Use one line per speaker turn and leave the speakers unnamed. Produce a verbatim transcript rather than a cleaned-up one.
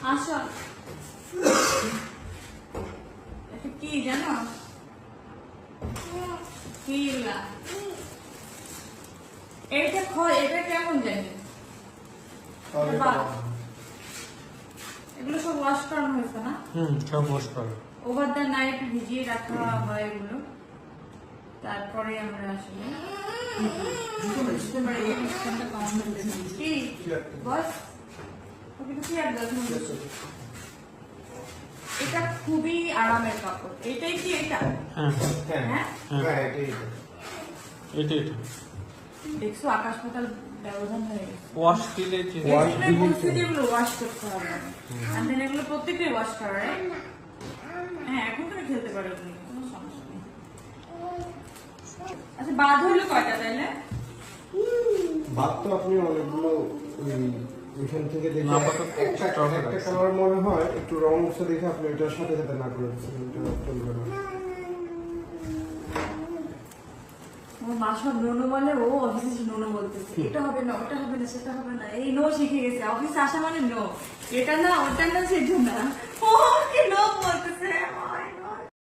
আসো এটা কি জানো কি এগুলা এটা খয় এটা কেমন জানি এগুলো সব ওয়াশ করানো হয়েছে না?
হুম সব ওয়াশ করা।
ওভার দ্য নাইট ভিজিয়ে রাখা হয় এগুলো, তারপরে আমরা আসলে কি বস এটা খুবই আরামের কাপড়। এটাই কি এটা?
হ্যাঁ
হ্যাঁ
হ্যাঁ এটা এটা
দেখছো আকাশ পাতাল ব্যবধান হয়ে গেছে।
ওয়াশ দিলে যে
ওয়াশ দিলে যেগুলো ওয়াশ করতে হবে আর দেন এগুলো প্রত্যেকটাই ওয়াশ করা হয়। হ্যাঁ এখন তুমি খেলতে পারো, কোনো সমস্যা নেই। আচ্ছা বাদ হইলো কয়টা তাইলে?
ভাত তো আপনি অনেকগুলো এখান থেকে দেখে
আপাতত
একটা
extra
একটা
রাখছি।
কালার মনে হয় একটু রং উঠছে দেখে আপনি এটার সাথে সাথে না করে দিচ্ছেন, এটা চলবে না।
আমার মা সব নোনো বলে, ও অফিসে নোনো বলতেছে এটা হবে না ওটা হবে না সেটা হবে না, এই নো শিখে গেছে অফিসে আসা মানে নো, এটা না ওটা না সেটা না, ও কি নো বলতেছে।